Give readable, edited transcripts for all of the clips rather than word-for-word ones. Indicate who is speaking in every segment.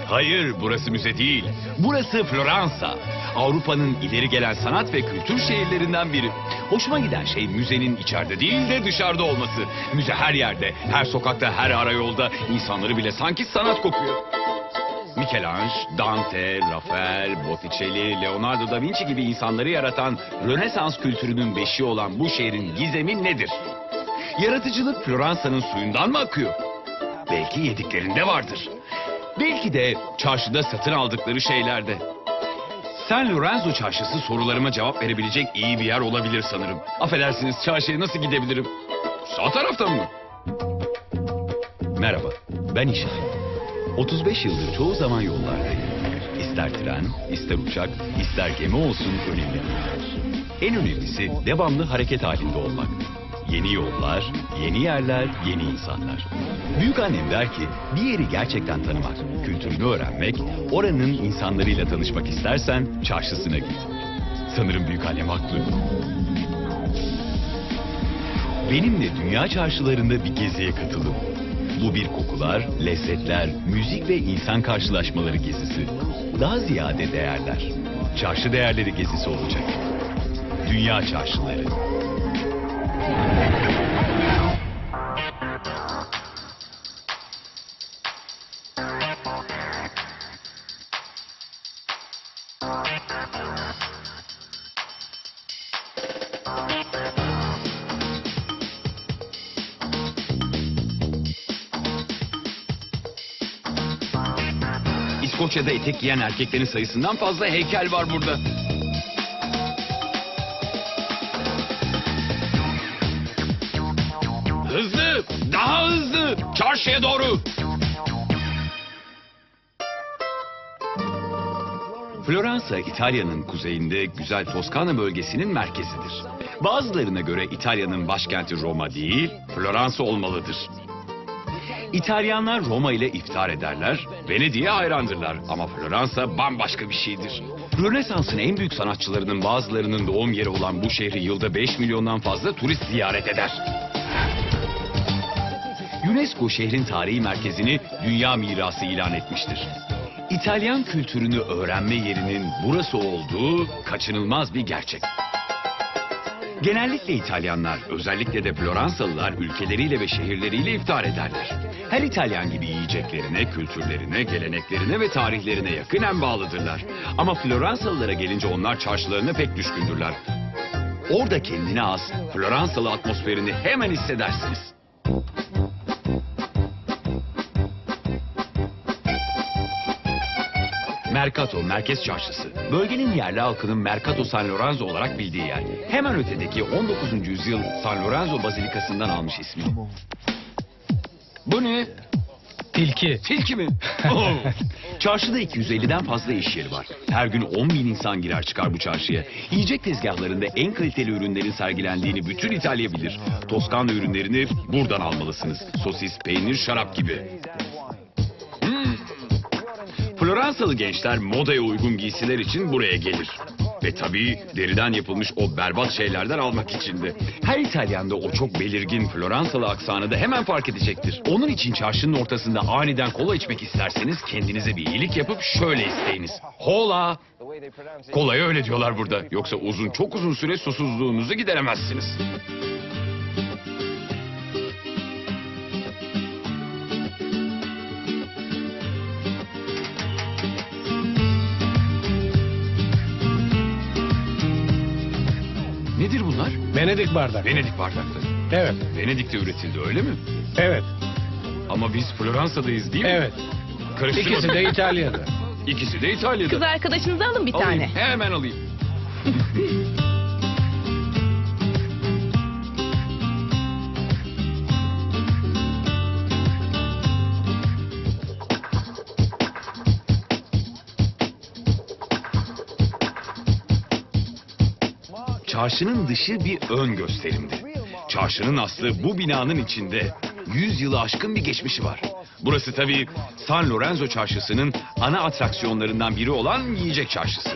Speaker 1: Hayır, burası müze değil. Burası Floransa. Avrupa'nın ileri gelen sanat ve kültür şehirlerinden biri. Hoşuma giden şey müzenin içeride değil de dışarıda olması. Müze her yerde, her sokakta, her arayolda. İnsanları bile sanki sanat kokuyor. Michelangelo, Dante, Rafael, Botticelli, Leonardo da Vinci gibi insanları yaratan Rönesans kültürünün beşiği olan bu şehrin gizemi nedir? Yaratıcılık Floransa'nın suyundan mı akıyor? Belki yediklerinde vardır. Belki de çarşıda satın aldıkları şeylerde. San Lorenzo çarşısı sorularıma cevap verebilecek iyi bir yer olabilir sanırım. Affedersiniz, çarşıya nasıl gidebilirim? Sağ taraftan mı? Merhaba, ben İşar. 35 yıldır çoğu zaman yollardayım. İster tren, ister uçak, ister gemi olsun önemli. En önemlisi devamlı hareket halinde olmak. Yeni yollar, yeni yerler, yeni insanlar. Büyükannem der ki bir yeri gerçekten tanımak, kültürünü öğrenmek, oranın insanlarıyla tanışmak istersen çarşısına git. Sanırım büyükannem haklı. Benimle dünya çarşılarında bir geziye katılın. Bu bir kokular, lezzetler, müzik ve insan karşılaşmaları gezisi. Daha ziyade değerler. Çarşı değerleri gezisi olacak. Dünya çarşıları. İskoçya'da etek giyen erkeklerin sayısından fazla heykel var burada. Hızlı, daha hızlı, çarşıya doğru. Floransa, İtalya'nın kuzeyinde güzel Toskana bölgesinin merkezidir. Bazılarına göre İtalya'nın başkenti Roma değil, Floransa olmalıdır. İtalyanlar Roma ile iftar ederler, Venedik'e hayrandırlar ama Floransa bambaşka bir şeydir. Rönesans'ın en büyük sanatçılarının bazılarının doğum yeri olan bu şehri yılda 5 milyondan fazla turist ziyaret eder. UNESCO şehrin tarihi merkezini dünya mirası ilan etmiştir. İtalyan kültürünü öğrenme yerinin burası olduğu kaçınılmaz bir gerçek. Genellikle İtalyanlar, özellikle de Floransalılar ülkeleriyle ve şehirleriyle iftar ederler. Her İtalyan gibi yiyeceklerine, kültürlerine, geleneklerine ve tarihlerine yakınen bağlıdırlar. Ama Floransalılara gelince onlar çarşılarına pek düşkündürler. Orada kendine has Floransalı atmosferini hemen hissedersiniz. Mercato, Merkez Çarşısı. Bölgenin yerli halkının Mercato San Lorenzo olarak bildiği yer. Hemen ötedeki 19. yüzyıl San Lorenzo Bazilikası'ndan almış ismi. Bu ne?
Speaker 2: Tilki.
Speaker 1: Tilki mi? Oh! Çarşıda 250'den fazla iş yeri var. Her gün 10 bin insan girer çıkar bu çarşıya. Yiyecek tezgahlarında en kaliteli ürünlerin sergilendiğini bütün İtalya bilir. Toskana ürünlerini buradan almalısınız. Sosis, peynir, şarap gibi. Floransalı gençler modaya uygun giysiler için buraya gelir. Ve tabii deriden yapılmış o berbat şeylerden almak için de. Her İtalyan da o çok belirgin Floransalı aksanı da hemen fark edecektir. Onun için çarşının ortasında aniden kola içmek isterseniz kendinize bir iyilik yapıp şöyle isteyiniz. Hola! Kolaya öyle diyorlar burada. Yoksa çok uzun süre susuzluğunuzu gideremezsiniz. Nedir bunlar?
Speaker 2: Venedik bardak.
Speaker 1: Venedik bardakları.
Speaker 2: Evet.
Speaker 1: Venedik'te üretildi öyle mi?
Speaker 2: Evet.
Speaker 1: Ama biz Floransa'dayız değil mi?
Speaker 2: Evet.
Speaker 1: Karıştırma.
Speaker 2: İkisi de İtalya'da.
Speaker 1: İkisi de İtalya'da.
Speaker 3: Kız arkadaşınızı alın bir
Speaker 1: Alayım,
Speaker 3: tane.
Speaker 1: hemen alayım. Çarşının dışı bir ön gösterimdi. Çarşının aslı bu binanın içinde. 100 yılı aşkın bir geçmişi var. Burası tabii San Lorenzo çarşısının ana atraksiyonlarından biri olan yiyecek çarşısı.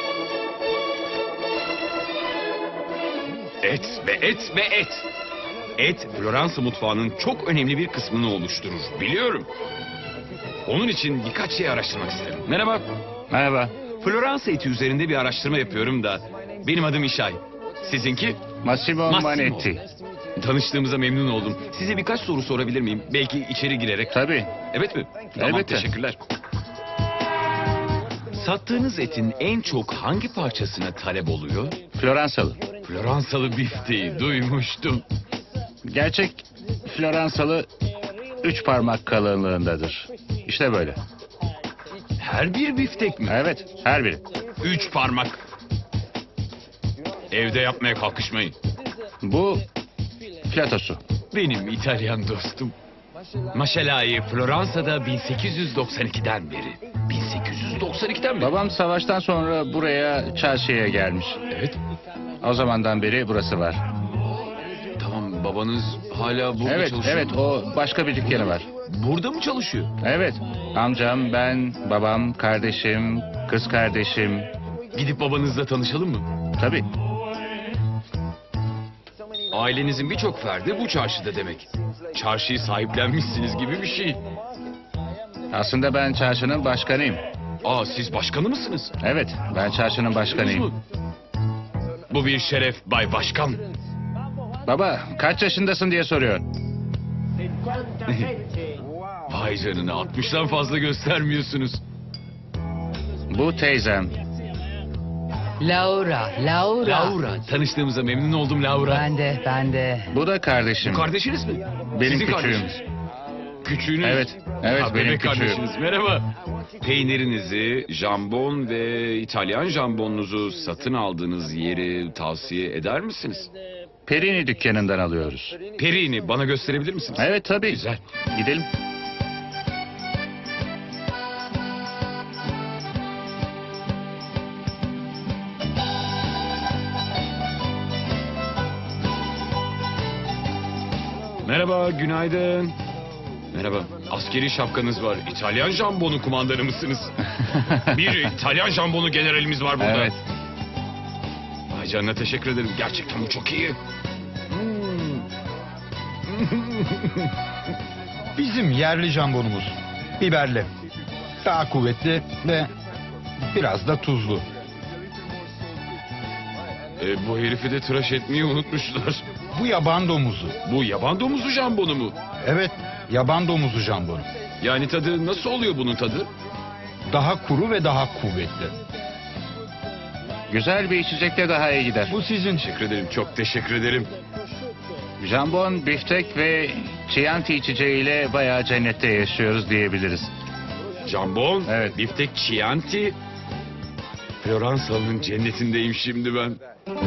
Speaker 1: Et ve et ve et. Et, Floransa mutfağının çok önemli bir kısmını oluşturur. Biliyorum. Onun için birkaç şey araştırmak isterim. Merhaba.
Speaker 3: Merhaba.
Speaker 1: Floransa eti üzerinde bir araştırma yapıyorum da. Benim adım İşay. Sizinki?
Speaker 3: Massimo Manetti.
Speaker 1: Tanıştığımıza memnun oldum. Size birkaç soru sorabilir miyim? Belki içeri girerek.
Speaker 3: Tabii.
Speaker 1: Evet mi? Tamam,
Speaker 3: Elbette.
Speaker 1: teşekkürler. Sattığınız etin en çok hangi parçasına talep oluyor?
Speaker 3: Floransalı.
Speaker 1: Floransalı bifteği duymuştum.
Speaker 3: Gerçek Floransalı 3 parmak kalınlığındadır. İşte böyle.
Speaker 1: Her bir biftek mi?
Speaker 3: Evet, her biri.
Speaker 1: 3 parmak. Evde yapmaya kalkışmayın.
Speaker 3: Bu flatosu.
Speaker 1: Benim İtalyan dostum. Maşela'yı Floransa'da 1892'den beri. 1892'den beri.
Speaker 3: Babam savaştan sonra buraya çarşıya gelmiş.
Speaker 1: Evet.
Speaker 3: O zamandan beri burası var.
Speaker 1: Tamam, babanız hala burada
Speaker 3: Evet,
Speaker 1: çalışıyor
Speaker 3: evet,
Speaker 1: mu?
Speaker 3: o başka bir dükkanı var.
Speaker 1: Burada mı çalışıyor?
Speaker 3: Evet, amcam, ben, babam, kardeşim, kız kardeşim.
Speaker 1: Gidip babanızla tanışalım mı?
Speaker 3: Tabii.
Speaker 1: Ailenizin birçok ferdi bu çarşıda demek. Çarşıyı sahiplenmişsiniz gibi bir şey.
Speaker 3: Aslında ben çarşının başkanıyım.
Speaker 1: Aa, siz başkanı mısınız?
Speaker 3: Evet, ben çarşının başkanıyım.
Speaker 1: Bu bir şeref Bay Başkan.
Speaker 3: Baba, kaç yaşındasın diye soruyor.
Speaker 1: Vay canına, 60'tan fazla göstermiyorsunuz.
Speaker 3: Bu teyzem.
Speaker 4: Laura.
Speaker 1: Laura, tanıştığımıza memnun oldum Laura.
Speaker 4: Ben de.
Speaker 3: Bu da kardeşim.
Speaker 1: Bu kardeşiniz mi?
Speaker 3: Benim
Speaker 1: Sizin
Speaker 3: küçüğüm.
Speaker 1: kardeşiniz. Küçüğünüz?
Speaker 3: Evet,
Speaker 1: Ha,
Speaker 3: benim
Speaker 1: bebek
Speaker 3: küçüğüm.
Speaker 1: kardeşiniz. Merhaba. Peynirinizi, jambon ve İtalyan jambonunuzu satın aldığınız yeri tavsiye eder misiniz?
Speaker 3: Perini dükkanından alıyoruz.
Speaker 1: Perini bana gösterebilir misiniz?
Speaker 3: Evet tabii.
Speaker 1: Güzel.
Speaker 3: Gidelim.
Speaker 1: Merhaba, günaydın. Merhaba, askeri şapkanız var. İtalyan jambonu kumandanı mısınız? Bir İtalyan jambonu generalimiz var burada.
Speaker 3: Evet.
Speaker 1: Ay canına, teşekkür ederim. Gerçekten bu çok iyi.
Speaker 5: Bizim yerli jambonumuz. Biberli. Daha kuvvetli ve biraz da tuzlu.
Speaker 1: Bu herifi de tıraş etmeyi unutmuşlar.
Speaker 5: Bu yaban domuzu.
Speaker 1: Bu yaban domuzu jambonu mu?
Speaker 5: Evet, yaban domuzu jambonu.
Speaker 1: Yani tadı nasıl oluyor bunun tadı?
Speaker 5: Daha kuru ve daha kuvvetli.
Speaker 3: Güzel bir içecekle daha iyi gider.
Speaker 5: Bu sizin.
Speaker 1: Teşekkür ederim, çok teşekkür ederim.
Speaker 3: Jambon, biftek ve Chianti içeceğiyle bayağı cennette yaşıyoruz diyebiliriz.
Speaker 1: Jambon,
Speaker 3: Evet.
Speaker 1: biftek, Chianti. Floransalı'nın cennetindeyim şimdi ben.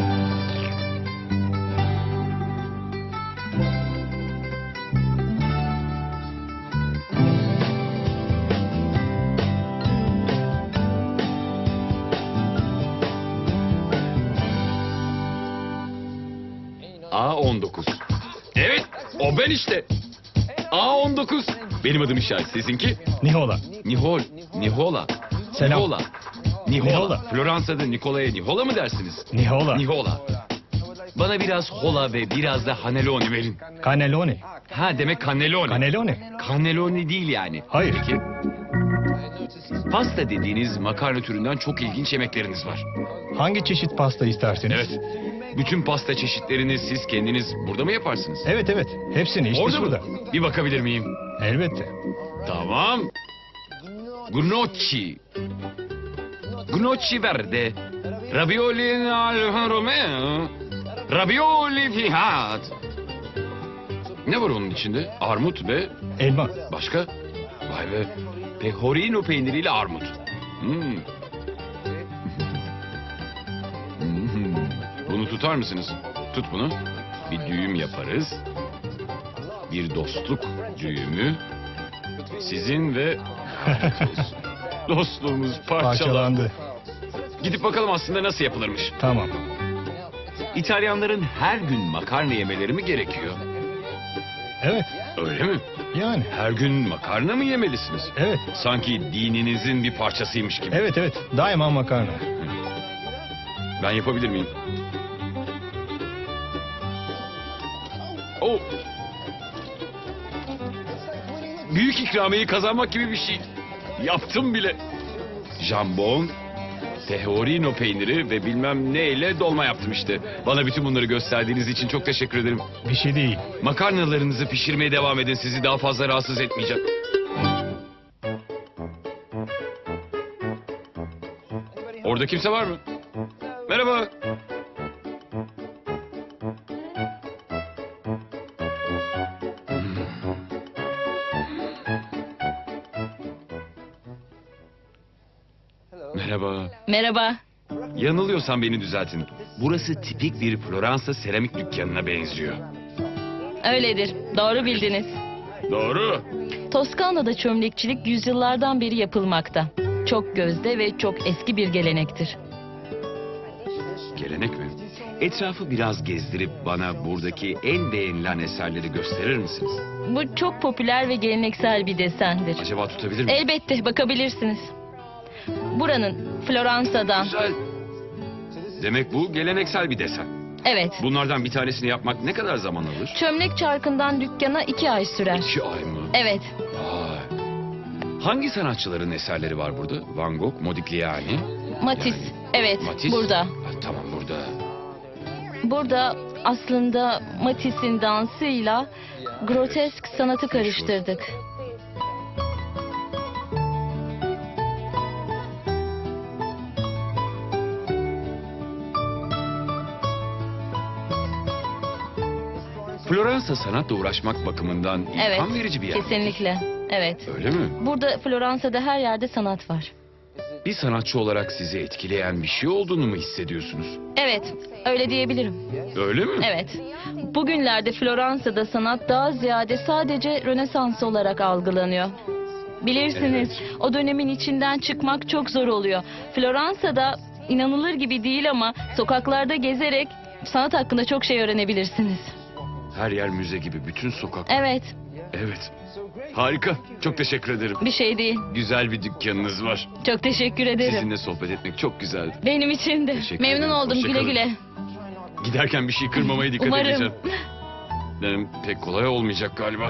Speaker 1: A19. Evet, o ben işte. A19. Benim adım İşay, sizinki?
Speaker 2: Nihola.
Speaker 1: Nihola.
Speaker 2: Selam.
Speaker 1: Nihola.
Speaker 2: Nihola.
Speaker 1: Floransa'da Nikola'ya Nihola mı dersiniz?
Speaker 2: Nihola.
Speaker 1: Nihola. Bana biraz hola ve biraz da haneloni verin.
Speaker 2: Cannelloni.
Speaker 1: Ha, demek cannelloni.
Speaker 2: Cannelloni.
Speaker 1: Cannelloni değil yani.
Speaker 2: Hayır.
Speaker 1: Peki. Pasta dediğiniz makarna türünden çok ilginç yemekleriniz var.
Speaker 2: Hangi çeşit pasta istersiniz?
Speaker 1: Evet. Bütün pasta çeşitlerini siz kendiniz burada mı yaparsınız?
Speaker 2: Evet evet. Hepsini işte
Speaker 1: Orada
Speaker 2: şurada.
Speaker 1: mı? Bir bakabilir miyim?
Speaker 2: Elbette.
Speaker 1: Tamam. Gnocchi. Gnocchi verde. Ravioli al Romeo. Ravioli fihat. Ne var onun içinde? Armut ve
Speaker 2: Elma.
Speaker 1: başka? Vay be. Pecorino peyniriyle armut. Hmm. Bunu tutar mısınız? Tut bunu. Bir düğüm yaparız. Bir dostluk düğümü. Sizin ve dostluğumuz parçalandı.
Speaker 2: Parçalandı.
Speaker 1: Gidip bakalım aslında nasıl yapılırmış.
Speaker 2: Tamam.
Speaker 1: İtalyanların her gün makarna yemeleri mi gerekiyor?
Speaker 2: Evet.
Speaker 1: Öyle mi?
Speaker 2: Yani.
Speaker 1: Her gün makarna mı yemelisiniz?
Speaker 2: Evet.
Speaker 1: Sanki dininizin bir parçasıymış gibi.
Speaker 2: Evet evet. Daima makarna.
Speaker 1: Ben yapabilir miyim? Oh. Büyük ikramiyeyi kazanmak gibi bir şey. Yaptım bile. Jambon, Teorino peyniri ve bilmem neyle dolma yaptım işte. Bana bütün bunları gösterdiğiniz için çok teşekkür ederim.
Speaker 2: Bir şey değil.
Speaker 1: Makarnalarınızı pişirmeye devam edin. Sizi daha fazla rahatsız etmeyecek. Orada kimse var mı? Merhaba. Merhaba.
Speaker 4: Merhaba.
Speaker 1: Yanılıyorsam beni düzeltin. Burası tipik bir Floransa seramik dükkanına benziyor.
Speaker 4: Öyledir. Doğru bildiniz.
Speaker 1: Doğru.
Speaker 4: Toskana'da çömlekçilik yüzyıllardan beri yapılmakta. Çok gözde ve çok eski bir gelenektir.
Speaker 1: Gelenek mi? Etrafı biraz gezdirip bana buradaki en beğenilen eserleri gösterir misiniz?
Speaker 4: Bu çok popüler ve geleneksel bir desendir.
Speaker 1: Acaba tutabilir miyim?
Speaker 4: Elbette bakabilirsiniz. Buranın Floransa'dan.
Speaker 1: Güzel. Demek bu geleneksel bir desen.
Speaker 4: Evet.
Speaker 1: Bunlardan bir tanesini yapmak ne kadar zaman alır?
Speaker 4: Çömlek çarkından dükkana 2 ay sürer.
Speaker 1: 2 ay mı?
Speaker 4: Evet.
Speaker 1: Vay. Hangi sanatçıların eserleri var burada? Van Gogh, Modigliani.
Speaker 4: Matisse. Evet.
Speaker 1: Matisse?
Speaker 4: Burada.
Speaker 1: Ha, tamam burada.
Speaker 4: Burada aslında Matisse'in dansıyla grotesk sanatı karıştırdık.
Speaker 1: Floransa sanatla uğraşmak bakımından
Speaker 4: Evet.
Speaker 1: ilham verici bir yer.
Speaker 4: Kesinlikle. Evet.
Speaker 1: Öyle mi?
Speaker 4: Burada Floransa'da her yerde sanat var.
Speaker 1: Bir sanatçı olarak sizi etkileyen bir şey olduğunu mu hissediyorsunuz?
Speaker 4: Evet, öyle diyebilirim.
Speaker 1: Öyle mi?
Speaker 4: Evet. Bugünlerde Floransa'da sanat daha ziyade sadece Rönesans olarak algılanıyor. Bilirsiniz, o dönemin içinden çıkmak çok zor oluyor. Floransa'da inanılır gibi değil ama sokaklarda gezerek sanat hakkında çok şey öğrenebilirsiniz.
Speaker 1: Her yer müze gibi, bütün sokak.
Speaker 4: Evet,
Speaker 1: Evet. Harika. Çok teşekkür ederim.
Speaker 4: bir şey değil.
Speaker 1: Güzel bir dükkanınız var.
Speaker 4: Çok teşekkür ederim.
Speaker 1: Sizinle sohbet etmek çok güzeldi.
Speaker 4: Benim için de.
Speaker 1: Teşekkür
Speaker 4: Memnun
Speaker 1: ederim.
Speaker 4: oldum.
Speaker 1: Hoşça
Speaker 4: Güle
Speaker 1: kalın.
Speaker 4: güle.
Speaker 1: Giderken bir şey kırmamaya dikkat
Speaker 4: Umarım.
Speaker 1: edeceğim. Benim pek kolay olmayacak galiba.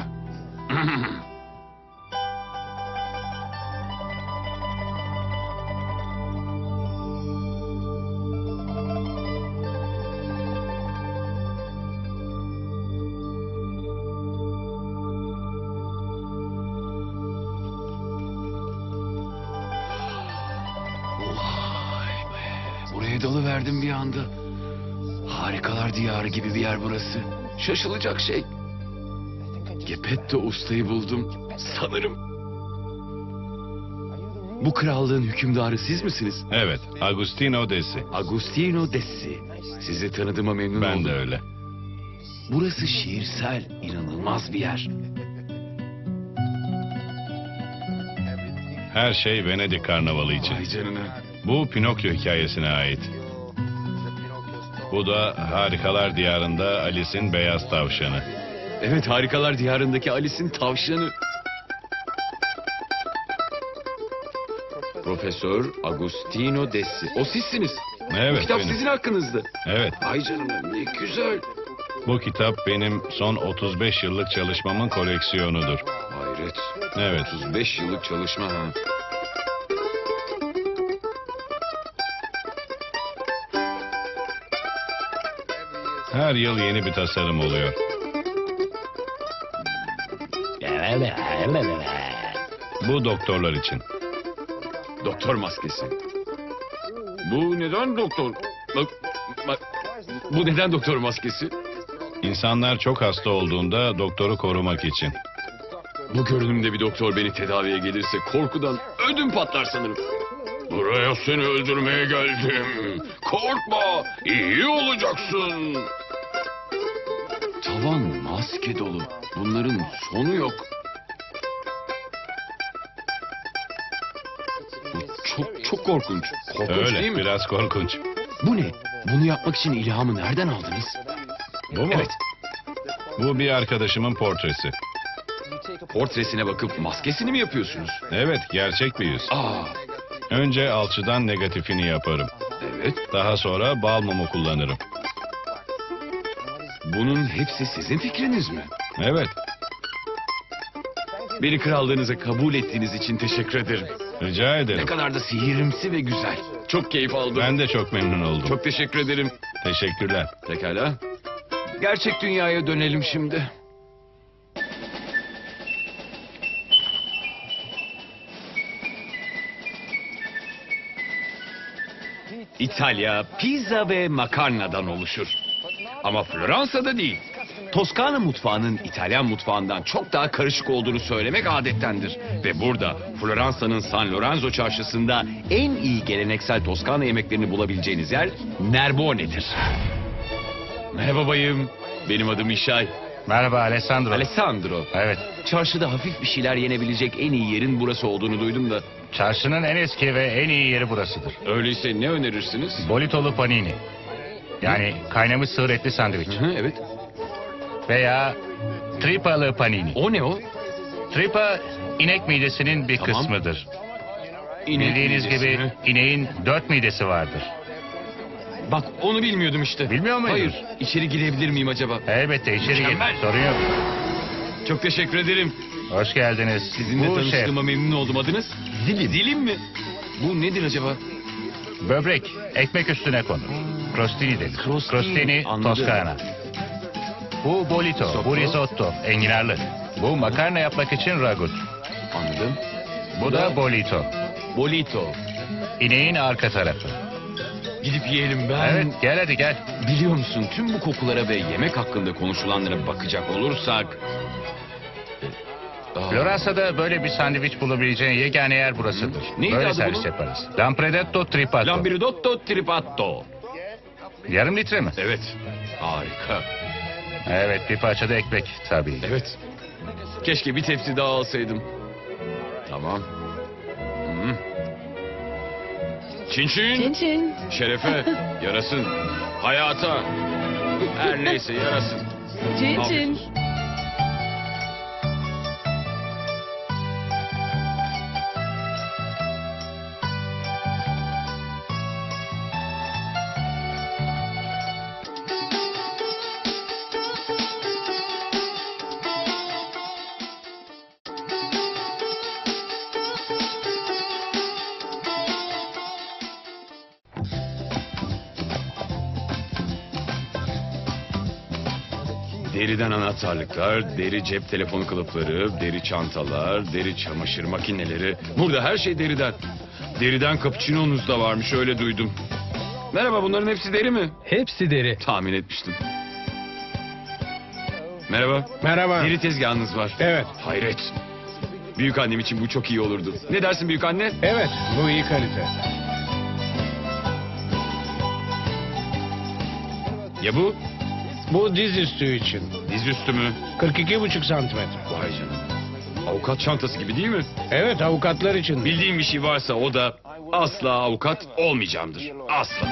Speaker 1: Vay be. Buraya dalıverdim bir anda. Harikalar diyarı gibi bir yer burası. Şaşılacak şey. Geppetto ustayı buldum. Sanırım. Bu krallığın hükümdarı siz misiniz?
Speaker 6: Evet, Agustino Desi.
Speaker 1: Agustino Dessi. Sizi tanıdığıma memnun oldum.
Speaker 6: Ben de öyle.
Speaker 1: Burası şiirsel, inanılmaz bir yer.
Speaker 6: Her şey Venedik Karnavalı için.
Speaker 1: Vay canına.
Speaker 6: Bu Pinokyo hikayesine ait. Bu da Harikalar Diyarında Alice'in beyaz tavşanı.
Speaker 1: Evet, Harikalar Diyarı'ndaki Alice'in tavşanı. Profesör Agustino Dessi. O sizsiniz. Bu
Speaker 6: Evet,
Speaker 1: kitap
Speaker 6: benim.
Speaker 1: sizin hakkınızda.
Speaker 6: Evet,
Speaker 1: Ay canına, ne güzel.
Speaker 6: bu kitap benim son 35 yıllık çalışmamın koleksiyonudur.
Speaker 1: Hayret.
Speaker 6: Evet,
Speaker 1: 35 yıllık çalışma ha.
Speaker 6: her yıl yeni bir tasarım oluyor. Bu doktorlar için.
Speaker 1: Doktor maskesi. Bu neden doktor? Bak, bu neden doktor maskesi?
Speaker 6: İnsanlar çok hasta olduğunda doktoru korumak için.
Speaker 1: Bu görünümde bir doktor beni tedaviye gelirse korkudan ödüm patlar sanırım. Buraya seni öldürmeye geldim. Korkma, iyi olacaksın. Tavan maske dolu. Bunların sonu yok. Bu çok korkunç. Korkunç değil
Speaker 6: Öyle,
Speaker 1: mi?
Speaker 6: biraz korkunç.
Speaker 1: Bu ne? Bunu yapmak için ilhamı nereden aldınız?
Speaker 6: Bu mu?
Speaker 1: Evet.
Speaker 6: Bu bir arkadaşımın portresi.
Speaker 1: Portresine bakıp maskesini mi yapıyorsunuz?
Speaker 6: Evet, gerçek bir yüz.
Speaker 1: Aa,
Speaker 6: Önce alçıdan negatifini yaparım.
Speaker 1: evet.
Speaker 6: Daha sonra bal mumu kullanırım.
Speaker 1: Bunun hepsi sizin fikriniz mi?
Speaker 6: Evet,
Speaker 1: Beni krallığınıza kabul ettiğiniz için teşekkür ederim.
Speaker 6: rica
Speaker 1: Ne
Speaker 6: ederim.
Speaker 1: kadar da sihirimsi ve güzel. Çok keyif aldım.
Speaker 6: Ben de çok memnun oldum.
Speaker 1: Çok teşekkür ederim.
Speaker 6: Teşekkürler.
Speaker 1: Pekala. Gerçek dünyaya dönelim şimdi. İtalya pizza ve makarnadan oluşur. Ama Floransa'da değil. Toskana mutfağının İtalyan mutfağından çok daha karışık olduğunu söylemek adettendir. Ve burada Floransa'nın San Lorenzo çarşısında en iyi geleneksel Toskana yemeklerini bulabileceğiniz yer Nerbone'dir. Merhaba bayım. Benim adım İşay.
Speaker 3: Merhaba Alessandro.
Speaker 1: Alessandro.
Speaker 3: Evet.
Speaker 1: Çarşıda hafif bir şeyler yenebilecek en iyi yerin burası olduğunu duydum da.
Speaker 3: Çarşının en eski ve en iyi yeri burasıdır.
Speaker 1: Öyleyse ne önerirsiniz?
Speaker 3: Bolitolu panini. Yani kaynamış sığır etli sandviç.
Speaker 1: Hı, evet.
Speaker 3: Veya tripalı panini.
Speaker 1: O ne o?
Speaker 3: Tripa inek midesinin bir
Speaker 1: Tamam.
Speaker 3: kısmıdır.
Speaker 1: İnek
Speaker 3: Bildiğiniz
Speaker 1: midesi
Speaker 3: gibi
Speaker 1: mi?
Speaker 3: ineğin 4 midesi vardır.
Speaker 1: Bak onu bilmiyordum işte.
Speaker 3: Bilmiyor muydun?
Speaker 1: Hayır. İçeri girebilir miyim acaba?
Speaker 3: Elbette içeri gir.
Speaker 1: Mükemmel.
Speaker 3: Sorun yok.
Speaker 1: Çok teşekkür ederim.
Speaker 3: Hoş geldiniz.
Speaker 1: Sizinle
Speaker 3: Bu şef.
Speaker 1: tanıştığıma memnun oldum. Adınız? Dilim. Dilim mi? Bu nedir acaba?
Speaker 3: Böbrek ekmek üstüne konur. Crostini denir.
Speaker 1: Crostini, anladım.
Speaker 3: Toskana. Bu bolito,
Speaker 1: Sotto.
Speaker 3: bu risotto, enginarlı. Bu makarna yapmak için ragut.
Speaker 1: Anladım.
Speaker 3: Bu da bolito.
Speaker 1: Bolito.
Speaker 3: İneğin arka tarafı.
Speaker 1: Gidip yiyelim ben.
Speaker 3: Evet gel hadi gel.
Speaker 1: Biliyor musun tüm bu kokulara ve yemek hakkında konuşulanlara bakacak olursak... Aa,
Speaker 3: Floransa'da böyle bir sandviç bulabileceğin yegane yer burasıdır.
Speaker 1: Neydi
Speaker 3: Böyle
Speaker 1: adı
Speaker 3: servis
Speaker 1: bunun?
Speaker 3: yaparız. Lampredetto tripato.
Speaker 1: Lambiridotto tripatto.
Speaker 3: Yarım litre mi?
Speaker 1: Evet. Harika.
Speaker 3: Evet bir parça da ekmek tabii.
Speaker 1: Evet. Keşke bir tepsi daha alsaydım. Tamam. Hı. Çin çin.
Speaker 4: Çin çin.
Speaker 1: Şerefe. Yarasın. Hayata. Her neyse yarasın.
Speaker 4: Çin
Speaker 1: Afiyet
Speaker 4: çin.
Speaker 1: olsun. Deriden anahtarlıklar, deri cep telefonu kılıfları, deri çantalar, deri çamaşır makineleri. Burada her şey deriden. Deriden cappuccino'nuz da varmış öyle duydum. Merhaba bunların hepsi deri mi?
Speaker 2: Hepsi deri.
Speaker 1: Tahmin etmiştim. Merhaba.
Speaker 2: Merhaba.
Speaker 1: Deri tezgahınız var.
Speaker 2: Evet.
Speaker 1: Hayret. Büyük annem için bu çok iyi olurdu. Ne dersin büyük anne?
Speaker 2: Evet, bu iyi kalite.
Speaker 1: Ya bu?
Speaker 2: Bu dizüstü için.
Speaker 1: Dizüstü mü?
Speaker 2: 42,5 santimetre.
Speaker 1: Vay canına. Avukat çantası gibi değil mi?
Speaker 2: Evet, avukatlar için.
Speaker 1: Bildiğim bir şey varsa o da asla avukat olmayacağımdır. Asla.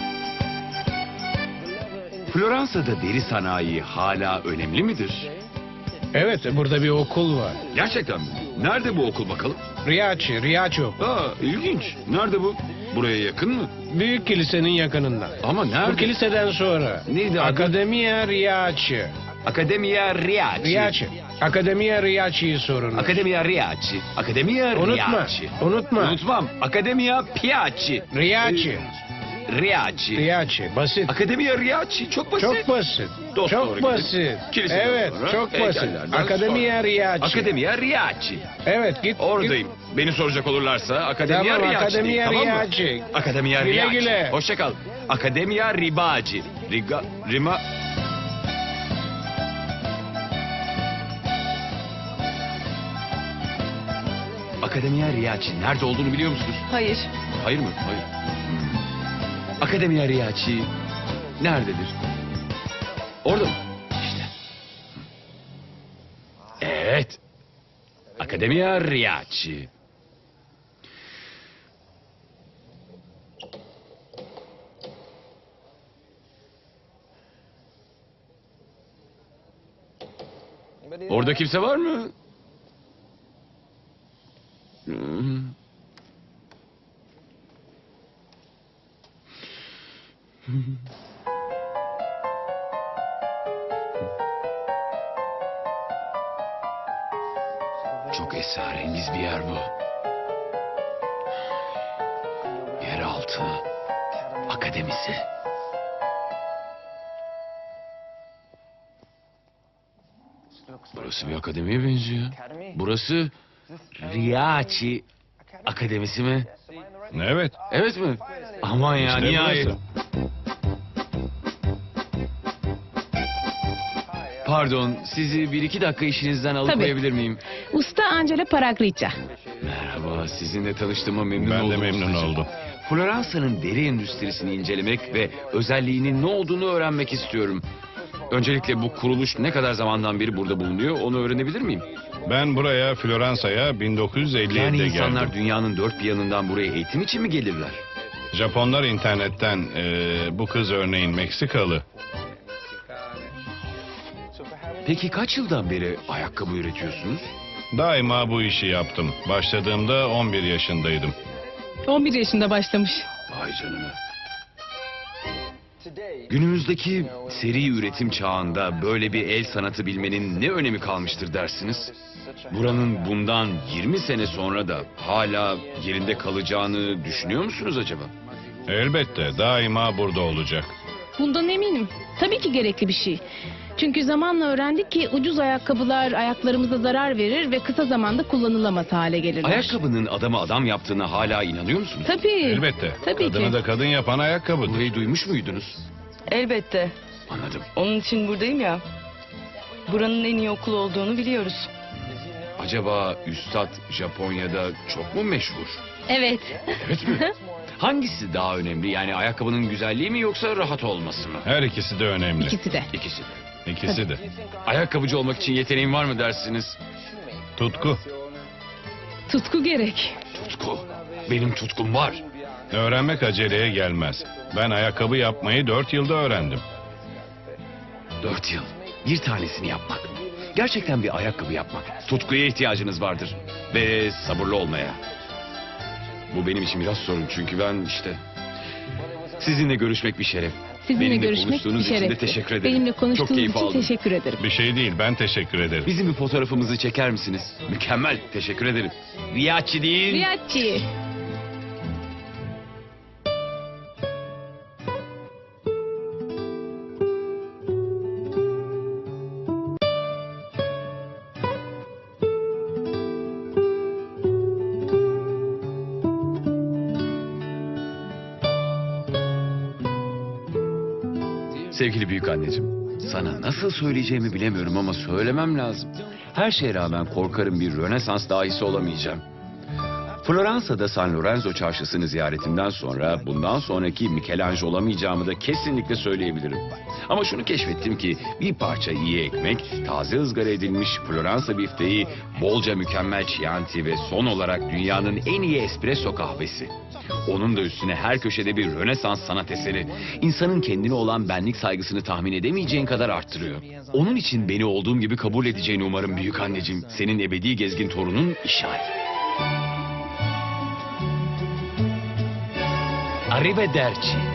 Speaker 1: Floransa'da deri sanayi hala önemli midir?
Speaker 2: Evet, burada bir okul var.
Speaker 1: Gerçekten mi? Nerede bu okul bakalım?
Speaker 2: Riachi okul.
Speaker 1: Aa, ilginç. Nerede bu? Buraya yakın mı?
Speaker 2: Büyük kilisenin yakınında.
Speaker 1: Ama nerede?
Speaker 2: Bu kiliseden sonra.
Speaker 1: Neydi adı?
Speaker 2: Akademia Riachi.
Speaker 1: Akademia Riachi.
Speaker 2: Riachi. Akademia Riachi'yi sorun.
Speaker 1: Akademia Riachi. Akademia
Speaker 2: Unutma,
Speaker 1: Riachi.
Speaker 2: unutma.
Speaker 1: Unutmam. Akademia Piaci.
Speaker 2: Riachi.
Speaker 1: Riachi.
Speaker 2: Riachi. Basit.
Speaker 1: Akademia Riachi. Çok basit.
Speaker 2: Çok basit.
Speaker 1: Dost doğru
Speaker 2: Çok
Speaker 1: gidip
Speaker 2: basit.
Speaker 1: kiliseden
Speaker 2: Evet,
Speaker 1: sonra
Speaker 2: çok basit.
Speaker 1: heykellerden
Speaker 2: Akademia
Speaker 1: sonra.
Speaker 2: Riachi.
Speaker 1: Akademia Riachi.
Speaker 2: Evet, git.
Speaker 1: Oradayım. Beni soracak olurlarsa Akademia
Speaker 2: Tamam,
Speaker 1: Riachi.
Speaker 2: Akademia
Speaker 1: tamam mı?
Speaker 2: Riachi.
Speaker 1: Akademia
Speaker 2: Güle
Speaker 1: Riachi.
Speaker 2: güle.
Speaker 1: Hoşça kal. Akademia Ribaci. Rima... Akademia Riachi. Nerede olduğunu biliyor musunuz?
Speaker 4: Hayır.
Speaker 1: Hayır mı? Hayır. Akademia Riachi nerededir? Orada mı? İşte. Evet. Akademia Riachi. Orada kimse var mı? Hmm. Çok esrarengiz bir yer bu. Yeraltı Akademisi. Burası bir akademiye benziyor. Burası Riyachi Akademisi mi?
Speaker 6: Evet.
Speaker 1: Evet mi? Aman ya
Speaker 6: İşte
Speaker 1: nihayet.
Speaker 6: burası.
Speaker 1: Pardon, sizi bir iki dakika işinizden alıkoyabilir miyim?
Speaker 7: Usta Angela Paragrica.
Speaker 1: Merhaba, sizinle tanıştığıma memnun
Speaker 6: Ben
Speaker 1: oldum.
Speaker 6: de memnun
Speaker 1: ustacığım.
Speaker 6: oldum.
Speaker 1: Floransa'nın deri endüstrisini incelemek ve özelliğinin ne olduğunu öğrenmek istiyorum. Öncelikle bu kuruluş ne kadar zamandan beri burada bulunuyor onu öğrenebilir miyim?
Speaker 6: Ben buraya Floransa'ya 1957'de
Speaker 1: Yani insanlar
Speaker 6: geldim.
Speaker 1: dünyanın dört bir yanından buraya eğitim için mi gelirler?
Speaker 6: Japonlar internetten bu kız örneğin Meksikalı.
Speaker 1: Peki kaç yıldan beri ayakkabı üretiyorsunuz?
Speaker 6: Daima bu işi yaptım. Başladığımda 11 yaşındaydım.
Speaker 7: 11 yaşında başlamış.
Speaker 1: Vay canına. Günümüzdeki seri üretim çağında böyle bir el sanatı bilmenin ne önemi kalmıştır dersiniz? Buranın bundan 20 sene sonra da hala yerinde kalacağını düşünüyor musunuz acaba?
Speaker 6: Elbette daima burada olacak.
Speaker 7: Bundan eminim. Tabii ki gerekli bir şey. Çünkü zamanla öğrendik ki ucuz ayakkabılar ayaklarımıza zarar verir ve kısa zamanda kullanılamaz hale gelirler.
Speaker 1: Ayakkabının adamı adam yaptığına hala inanıyor musunuz?
Speaker 7: Tabii.
Speaker 6: Elbette.
Speaker 7: Tabii
Speaker 6: Kadını
Speaker 7: ki.
Speaker 6: da kadın yapan ayakkabıdır.
Speaker 1: Burayı duymuş muydunuz?
Speaker 8: Elbette.
Speaker 1: Anladım.
Speaker 8: Onun için buradayım ya. Buranın en iyi okul olduğunu biliyoruz.
Speaker 1: Acaba Üstad Japonya'da çok mu meşhur?
Speaker 4: Evet.
Speaker 1: Evet mi? Hangisi daha önemli? Yani ayakkabının güzelliği mi yoksa rahat olması mı?
Speaker 6: Her ikisi de önemli.
Speaker 7: İkisi de.
Speaker 1: İkisi de.
Speaker 6: İkisi de.
Speaker 1: Ayakkabıcı olmak için yeteneğin var mı dersiniz?
Speaker 6: Tutku.
Speaker 7: Tutku gerek.
Speaker 1: Tutku. Benim tutkum var.
Speaker 6: Öğrenmek aceleye gelmez. Ben ayakkabı yapmayı 4 yılda öğrendim.
Speaker 1: 4 yıl. Bir tanesini yapmak. Gerçekten bir ayakkabı yapmak. Tutkuya ihtiyacınız vardır. Ve sabırlı olmaya. Bu benim için biraz sorun çünkü ben işte... Sizinle görüşmek bir şeref.
Speaker 7: Sizinle
Speaker 1: Benimle
Speaker 7: görüşmek bir
Speaker 1: konuştuğunuz için de
Speaker 7: şeref.
Speaker 1: teşekkür ederim.
Speaker 7: Benimle
Speaker 1: Çok
Speaker 7: konuştuğunuz
Speaker 1: keyif
Speaker 7: için
Speaker 1: aldım.
Speaker 7: teşekkür ederim.
Speaker 6: Bir şey değil, ben teşekkür ederim.
Speaker 1: Bizim bir fotoğrafımızı çeker misiniz? Mükemmel. Teşekkür ederim. Riyachi değil.
Speaker 7: Riyadçı.
Speaker 1: Sevgili büyük anneciğim, sana nasıl söyleyeceğimi bilemiyorum ama söylemem lazım. Her şeye rağmen korkarım bir Rönesans dahisi olamayacağım. Floransa'da San Lorenzo çarşısını ziyaretimden sonra bundan sonraki Michelangelo olamayacağımı da kesinlikle söyleyebilirim. Ama şunu keşfettim ki bir parça iyi ekmek, taze ızgara edilmiş Floransa bifteği, bolca mükemmel Chianti ve son olarak dünyanın en iyi espresso kahvesi. Onun da üstüne her köşede bir Rönesans sanat eseri. İnsanın kendine olan benlik saygısını tahmin edemeyeceğin kadar arttırıyor. Onun için beni olduğum gibi kabul edeceğini umarım büyük anneciğim. Senin ebedi gezgin torunun işaret. Arrivederci.